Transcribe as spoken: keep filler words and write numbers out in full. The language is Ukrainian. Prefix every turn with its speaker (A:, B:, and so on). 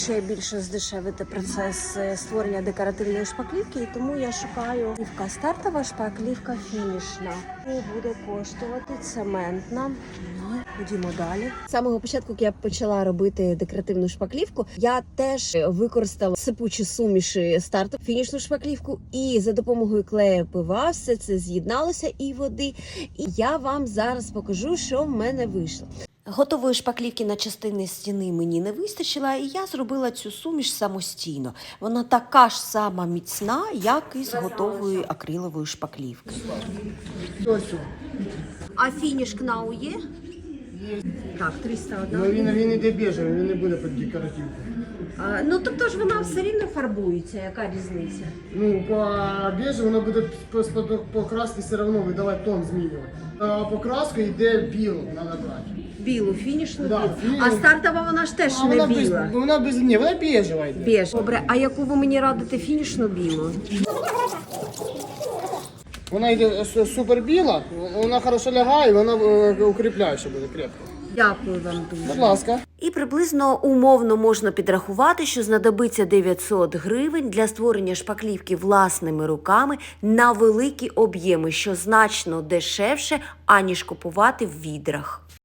A: Ще більше здешевити процес створення декоративної шпаклівки, і тому я шукаю шпаклівка стартова, шпаклівка фінішна. І буде коштувати цементна. Ходімо далі. З самого початку, як я почала робити декоративну шпаклівку, я теж використала сипучі суміші старту, фінішну шпаклівку, і за допомогою клею пива все це з'єдналося і води. І я вам зараз покажу, що в мене вийшло. Готової шпаклівки на частини стіни мені не вистачило, і я зробила цю суміш самостійно. Вона така ж сама міцна, як і з готової акрилової шпаклівки. А фініш КНАУ є?
B: Є.
A: Так, триста одна.
B: Ну, він, він іде біжевий, він не буде під декоративку.
A: А, ну, тобто ж вона все рівно фарбується, яка різниця?
B: Ну, по біжу воно буде по, по краски все одно видавати тон змінювати. А покраску йде білу, треба брати.
A: Білу, фінішну
B: Да,
A: білу.
B: фініш.
A: А стартова вона ж теж
B: А
A: не
B: вона
A: біла.
B: без, вона без, ні, вона біжева йде.
A: Біж. Добре, а яку ви мені радите фінішну білу?
B: Вона йде супер біла, вона хорошо лягає, вона е, укріпляюча буде крепко.
A: Дякую вам дуже.
B: Будь ласка.
A: І приблизно умовно можна підрахувати, що знадобиться дев'ятсот гривень для створення шпаклівки власними руками на великі об'єми, що значно дешевше, аніж купувати в відрах.